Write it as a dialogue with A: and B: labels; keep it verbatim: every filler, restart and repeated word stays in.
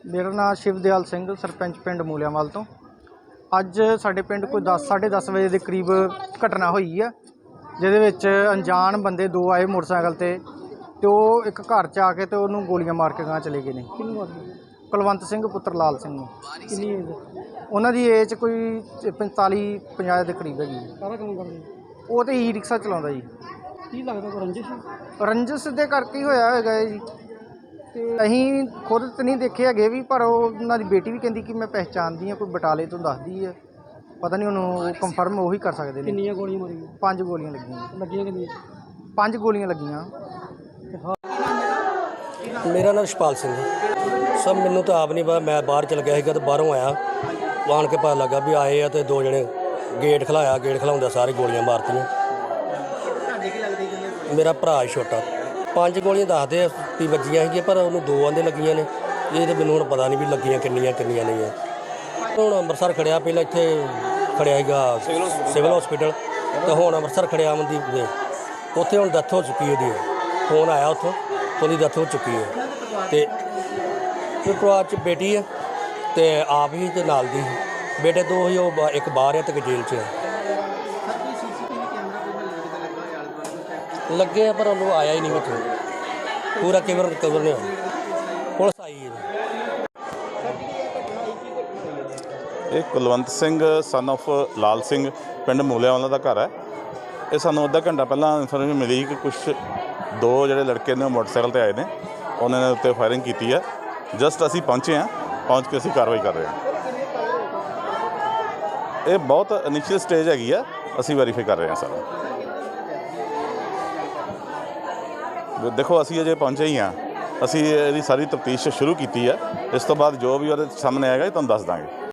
A: मेरा नाम शिवदयाल सिंह सरपंच पिंड मूलियावाल तो अज साडे पिंड कोई दस साढ़े दस बजे के करीब घटना हुई है जिहदे अनजान बंदे दो आए मोटरसाइकिल ते तो वो एक घर च आके तो उन्होंने गोलियां मार के गांह चले गए ने। कुलवंत सिंह पुत्र लाल सिंह उन्हों की एज कोई पैंताली पंजाह के करीब हैगी। वो तो ई रिक्शा चलाता जी।
B: की लगता रंजिश
A: रंजिश के करके ही होया होगा जी। ਅਸੀਂ खुद तो नहीं देखे है भी पर उन्होंने बेटी भी कहती कि मैं पहचानती हाँ कोई बटाले तो दसदी है पता नहीं उन्होंने कंफर्म वही कर सकते हैं।
B: कितनी गोलियां मारियां?
A: पांच गोलियां लगियां।
B: लगियां कितनी?
A: पांच गोलियां लगियां।
C: मेरा नाम शपाल सिंह सब मैनू तो आप नहीं पता, मैं बाहर चल गया तो बाहरों आया आन के पता लगा भी आए तो दो जने गेट खिलाया, गेट खिलाउंदे सारे गोलियां मारतियां। मेरा भरा छोटा पांच गोलियां दसदे भी वजियां ही पर उन्होंने दो आंदे लगियां ने। ये तो मैनू हुण पता नहीं भी लगियां किन्नियां किन्नियां नहीं है। हुण अंमृतसर खड़िया, पहले इत्थे खड़िया सीगा सिविल हॉस्पिटल तो हुण अंमृतसर खड़िया अमनदीप उत्थे हुण डैथ हो चुकी है। उसदी फोन आया उत्थों उसदी डैथ हो चुकी है। तो परिवार च बेटी है तो आप ही तो नाल दी बेटे दो ही, वो एक बाहर है तो एक जेल च है। लगे पर उन्होंने आया ही नहीं मुझे पूरा कवर कवर नहीं होया। पुलिस आई है।
D: ये कुलवंत सिंह सन ऑफ लाल सिंह पिंड मूलियावाला का घर है। ये सानू अद्धा घंटा पहला इन्फॉर्मेशन मिली कि कुछ दो जोड़े लड़के ने मोटरसाइकिल पर आए ने, उन्होंने उत्ते फायरिंग की है। जस्ट असी पहुँचे हैं, पहुँच के असी कार्रवाई कर रहे हैं। ये बहुत इनिशियल स्टेज हैगी है, असी वैरीफाई कर रहे हैं सारा। देखो असी अजे पहुँचे ही हाँ, असी ये सारी तफ्तीश शुरू की है। इस तो बाद जो भी वो सामने आएगा तुहानूं दस देंगे।